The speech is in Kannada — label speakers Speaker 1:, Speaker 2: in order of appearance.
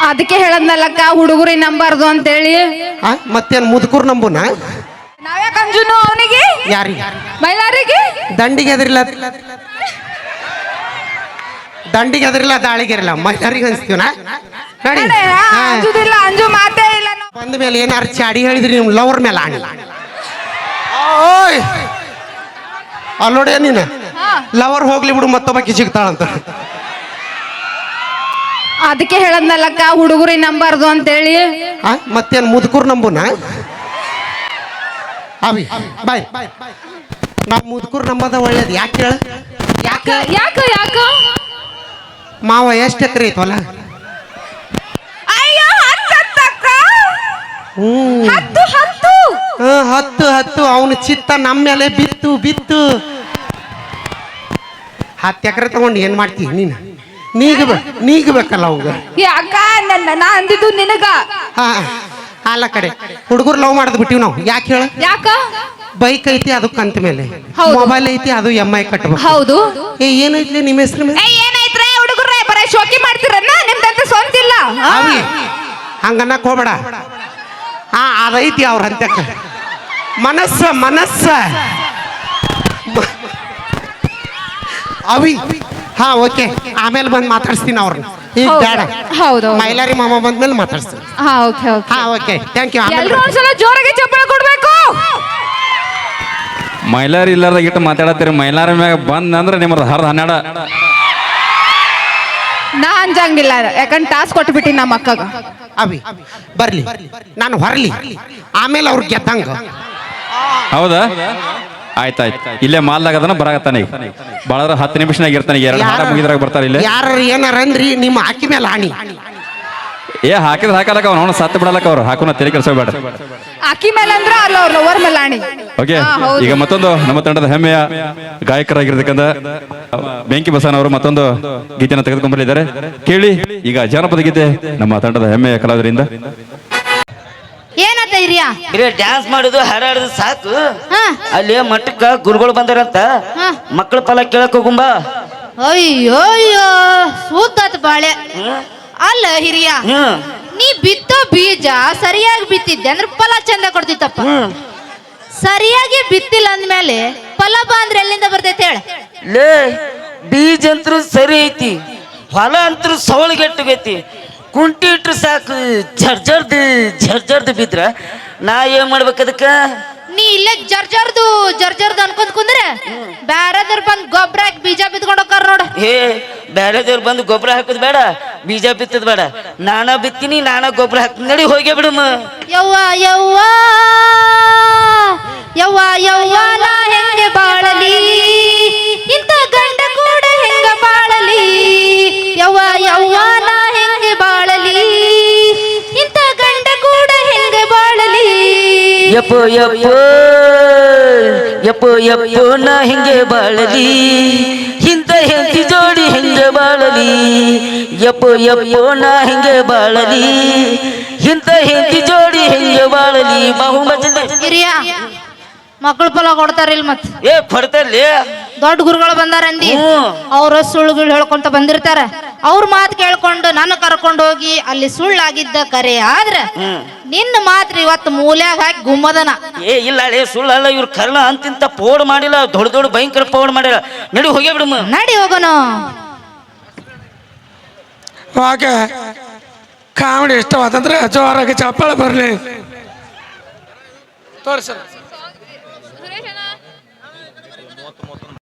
Speaker 1: ಅದಕ್ಕೆ ಹೇಳದ್ನಲ್ಲಕ್ಕ ಹುಡುಗರಿ ನಂಬಾರ್ದು ಅಂತೇಳಿ.
Speaker 2: ಮತ್ತೇನ್ ಮುದುಕೂರ್ ನಂಬುನ?
Speaker 1: ನಾವ್ಯಾಕ ಅಂಜುನು ಅವನಿಗೆ?
Speaker 2: ಯಾರಿಗೆ?
Speaker 1: ಮೈಲಾರಿಗೆ.
Speaker 2: ದಂಡಿಗೆ ಎದ್ರಿಲ್ಲ, ದಂಡಿಗೆ ಎದ್ರಿಲ್ಲ, ದಾಳಿಗೆ ಇರಲ್ಲ, ಮೈಲಾರಿಗೆ ಅನ್ಸ್ತೀವನ ನೋಡಿ.
Speaker 1: ಅಂಜುದಿಲ್ಲ, ಅಂಜು ಮಾತೇ ಇಲ್ಲ.
Speaker 2: ಬಂದ ಮೇಲೆ ಏನಾರು ಚಾಡಿ ಹೇಳಿದ್ರಿ ನಿಮ್ ಲವರ್ ಮೇಲೆ ಆಣಿ. ಅಲ್ಲೋಡೆ ನೀನು ಲವರ್ ಹೋಗ್ಲಿ ಬಿಡು, ಮತ್ತೊಬ್ಬಾಕಿ ಸಿಗ್ತಾಳಂತ.
Speaker 1: ಅದಕ್ಕೆ ಹೇಳದ್ನಲ್ಲಕ್ಕ ಹುಡುಗರಿ ನಂಬಾರ್ದು ಅಂತೇಳಿ.
Speaker 2: ಮತ್ತೇನ್ ಮುದುಕೂರ್ ನಂಬುನ? ಅವಿ ಬಾಯ್, ನಾವು ಮುದುಕೂರ್ ನಂಬದ ಒಳ್ಳೇದು. ಯಾಕೆ ಹೇಳ?
Speaker 1: ಯಾಕ ಯಾಕ ಯಾಕ
Speaker 2: ಮಾವ ಎಷ್ಟು ಎಕರೆ ಐತವಲ್ಲ? ಹತ್ತು ಅವನ ಚಿತ್ತ ನಮ್ಮ ಮೇಲೆ ಬಿತ್ತು ಬಿತ್ತು. 10 ಎಕರೆ ತಗೊಂಡು ಏನ್ ಮಾಡ್ತೀವಿ ನೀನು? ನೀಗಬೇಕಲ್ಲ ಅವಾಗ.
Speaker 1: ಯಾಕ ನಾ ಅಂದಿದ್ದು ನಿನಗ.
Speaker 2: ಅಲ್ಲ ಕಡೆ ಹುಡುಗರು ಲವ್ ಮಾಡದ್ ಬಿಟ್ಟಿವ್ ನಾವು. ಯಾಕೆ ಹೇಳ?
Speaker 1: ಯಾಕ?
Speaker 2: ಬೈಕ್ ಐತಿ ಅದಕ್ಕೆ ಕಂತ ಮೇಲೆ, ಮೊಬೈಲ್ ಐತಿ ಅದು MI ಕಟ್ಟಬೇಕು.
Speaker 1: ಹೌದು.
Speaker 2: ಏನೈತ್ಲಿ ನಿಮ್ಮ ಹೆಸರು ಮೇಲೆ?
Speaker 1: ಏನಾಯ್ತ್ರೆ ಹುಡುಗರೇ, ಬರೀ ಶೋಕಿ ಮಾಡ್ತಿರನ್ನ, ನಿಮ್ದಂತ ಸ್ವಂತ ಇಲ್ಲ.
Speaker 2: ಹಂಗನ್ನಕ್ ಹೋಗ್ಬೇಡ. ಅದೈತಿ ಅವ್ರ ಅಂತಕ್ಕ ಮನಸ್ಸ ಅವಿ. ಓಕೆ, ಆಮೇಲೆ ಬಂದು ಮಾತಾಡ್ಸ್ತೀನಿ ಅವ್ರನ್ನ. ಈಗ ಬೇಡ.
Speaker 1: ಹೌದು,
Speaker 2: ಮೈಲಾರಿ ಮಾಮ ಬಂದ್ಮೇಲೆ ಮಾತಾಡ್ಸ್ತೀನಿ. Okay, thank you.
Speaker 1: ಒಂದ್ಸಲ ಜೋರಾಗಿ ಚಪ್ಪಳ ಕೊಡ್ಬೇಕು.
Speaker 3: ಮೈಲಾರಿ ಇಲ್ಲಾರ್ದ ಇಟ್ಟು ಮಾತಾಡತ್ತೀರಿ. ಮೈಲಾರಿ ಮ್ಯಾಗ ಬಂದ್ ಅಂದ್ರೆ ನಿಮ್ಮದು 10-12.
Speaker 1: ನಾ ಅಂಜಂಗಿಲ್ಲ, ಯಾಕಂದ್ರೆ ಟಾಸ್ಕ್ ಕೊಟ್ಬಿಟ್ಟಿ ನಮ್ಮ ಅಕ್ಕಗ.
Speaker 2: ಅವಿ ಬರ್ಲಿ, ನಾನು ಹೊರಲಿ, ಆಮೇಲೆ ಅವ್ರು ಗೆದ್ದಂಗ.
Speaker 3: ಹೌದಾ? ಆಯ್ತಾಯ್ತು. ಇಲ್ಲೇ ಮಾಲ್ದಾಗ ಅದನ್ನ ಬರಾಕತ್ತಾನೆ. ಈಗ ಬಳದ್ರ 10 ನಿಮಿಷನಾಗ ಇರ್ತಾನೆ. 2 ಹಾರ ಮುಗಿದ್ರಾಗ ಬರ್ತಾರೆ. ಇಲ್ಲೇ
Speaker 2: ಯಾರು ಏನಾರ ಅಂದ್ರಿ ನಿಮ್ಮ ಹಾಕಿ ಮೇಲೆ ಆಣಿ.
Speaker 3: ಹಾಕಿದ್ರೆ ಹಾಕಲಕ್ಕ ಅವ್ನು ಸತ್ತು ಬಿಡಲಕ್ಕ. ಅವ್ರು ಹಾಕೋನ ತಲೆ ಕೆಡಿಸಬೇಡ.
Speaker 1: ಅಕ್ಕಿ ಮೇಲೆ ಅಂದ್ರ ಅಲ್ಲ, ಅವ್ರ ಲವರ್ ಮೇಲೆ ಆಣಿ.
Speaker 3: ಓಕೆ, ಈಗ ಮತ್ತೊಂದು ನಮ್ಮ ತಂಡದ ಹೆಮ್ಮೆಯ ಗಾಯಕರಾಗಿರ್ತಕ್ಕಂಥ ಬೆಂಕಿ ಬಸವಣ್ಣ ಅವರು ಮತ್ತೊಂದು ಗೀತೆಯನ್ನು ತೆಗೆದುಕೊಂಡ್ಬಂದಿದ್ದಾರೆ. ಕೇಳಿ ಈಗ ಜಾನಪದ ಗೀತೆ ನಮ್ಮ ತಂಡದ ಹೆಮ್ಮೆಯ ಕಲಾವಿದರಿಂದ.
Speaker 1: ಏನಂತ ಹಿರಿಯ?
Speaker 4: ಬರೀ ಡ್ಯಾನ್ಸ್ ಮಾಡುದು ಹಾಡಾಡುದು ಸಾಕು. ಅಲ್ಲಿ ಮಟ್ಟಕ್ಕ ಗುರುಗಳು ಬಂದಾರಂತ, ಮಕ್ಕಳ ಫಲ ಕೇಳಕ್ ಹೋಗುಂಬ.
Speaker 5: ಅಯ್ಯೋ ಅಯ್ಯೋ, ಸೂತಾತ್ ಬಾಳೆ. ಅಲ್ಲ ಹಿರಿಯ, ನೀ ಬಿತ್ತೋ ಬೀಜ ಸರಿಯಾಗಿ ಬಿತ್ತಿದ್ದೆ ಅಂದ್ರೆ ಫಲ ಚಂದ ಕೊಡ್ತಿತ್ತಪ್ಪ. ಸರಿಯಾಗಿ ಬಿತ್ತಿಲ್ಲ ಅಂದ್ಮೇಲೆ ಫಲ ಬಾ ಅಂದ್ರೆ ಎಲ್ಲಿಂದ ಬರ್ತೈತೆ ಹೇಳ?
Speaker 4: ಲೇ, ಬೀಜ ಅಂತೂ ಸರಿ ಐತಿ, ಹೊಲ ಅಂತೂ ಸವಳಿಗೆಟ್ಟಗೈತಿ. ಕುಂಟಿ ಇಟ್ರು ಸಾಕು, ಜರ್ಜರ್ದು ಬಿದ್ರ ನಾ ಏನ್ ಮಾಡ್ಬೇಕು ಅದಕ್ಕ?
Speaker 5: ನೀ ಇಲ್ಲೇ ಜರ್ಜರ್ದು ಅನ್ಕೊಂಡ್ ಕುಂದ್ರೆ ಬ್ಯಾರದವ್ರು ಬಂದ್ ಗೊಬ್ಬರ ಹಾಕಿ ಬೀಜ ಬಿತ್ಕೊಂಡು ಹೋಗ್ತಾರ ನೋಡ.
Speaker 4: ಬ್ಯಾರೆದವ್ರು ಬಂದು ಗೊಬ್ಬರ ಹಾಕುದ್ ಬೇಡ, ಬೀಜ ಬಿತ್ತದ್ ಬೇಡ, ನಾನಾ ಬಿತ್ತೀನಿ, ನಾನಾ ಗೊಬ್ಬರ ಹಾಕ್ತೀನಿ. ನಡಿ ಹೋಗ್ಯ ಬಿಡಮ್ಮ.
Speaker 5: ಯವ್ವ ಯವ್ವ ಯವ್ವ ಯವ್ವ, ನಾ ಹೆಂಗೆ ಬಾಳಲಿ, ಇಂಥ ಗಂಡ ಕೂಡ ಹೆಂಗ ಬಾಳಲಿ. ಯವ್ವ ಯವ್ವ, ನಾ ಹೆಂಗೆ ಬಾಳಲಿ, ಇಂಥ ಗಂಡ ಕೂಡ ಹೆಂಗೆ ಬಾಳಲಿ.
Speaker 4: ಯಪ್ಪೋ ಯಪ್ಪೋ ಯಪ್ಪೋ ಯಪ್ಪೋ, ನಾ ಹೆಂಗೆ ಬಾಳಲಿ, ಇಂಥ ಹೆಂಡತಿ ಜೋಡಿ ಹೆಂಗೆ ಬಾಳಲಿ. ಯಪ್ಪೋ ಯಪ್ಪೋ, ನಾ ಹೆಂಗೆ ಬಾಳಲಿ, ಇಂಥ ಹೆಂಡತಿ ಜೋಡಿ ಹೆಂಗೆ ಬಾಳಲಿ.
Speaker 5: ಹಿರಿಯ ಮಕ್ಕಳು ಫಲ ಕೊಡ್ತಾರಿಲ್ ಮತ್
Speaker 4: ಕೊಡ್ತಾರಲ್ಲಿ.
Speaker 5: ದೊಡ್ಡ ಗುರುಗಳು ಬಂದಾರಂದಿ, ಅವ್ರ ಸುಳ್ಳುಗಳು ಹೇಳ್ಕೊಂತ ಬಂದಿರ್ತಾರ. ಅವ್ರ ಮಾತು ಕೇಳ್ಕೊಂಡು ನನ್ನ ಕರ್ಕೊಂಡು ಹೋಗಿ ಅಲ್ಲಿ ಸುಳ್ಳಾಗಿದ್ದ ಕರೆ ಆದ್ರ ನಿನ್ನ ಮಾತ್ರ ಇವತ್ತು ಮೂಲ್ಯಾಗ ಹಾಕಿ ಗುಮ್ಮದನ.
Speaker 4: ಇಲ್ಲ ಸುಳ್ಳಲ್ಲ, ಇವ್ರ ಕರ್ಣ ಅಂತಿಂತ ಪೋಡ್ ಮಾಡಿಲ್ಲ, ದೊಡ್ಡ ಭಯಂಕರ ಪೋಡ್ ಮಾಡಿಲ್ಲ. ನಡಿ ಹೋಗ್ಯ ಬಿಡಮ್ಮ.
Speaker 5: ನಡಿ ಹೋಗೋಣ.
Speaker 6: ಓಕೆ, ಕಾಮಿಡಿ ಇಷ್ಟವಾದಂದ್ರೆ ಜೋರಾಗಿ ಚಪ್ಪಾಳ ಬರ್ಲಿ ತೋರಿಸ.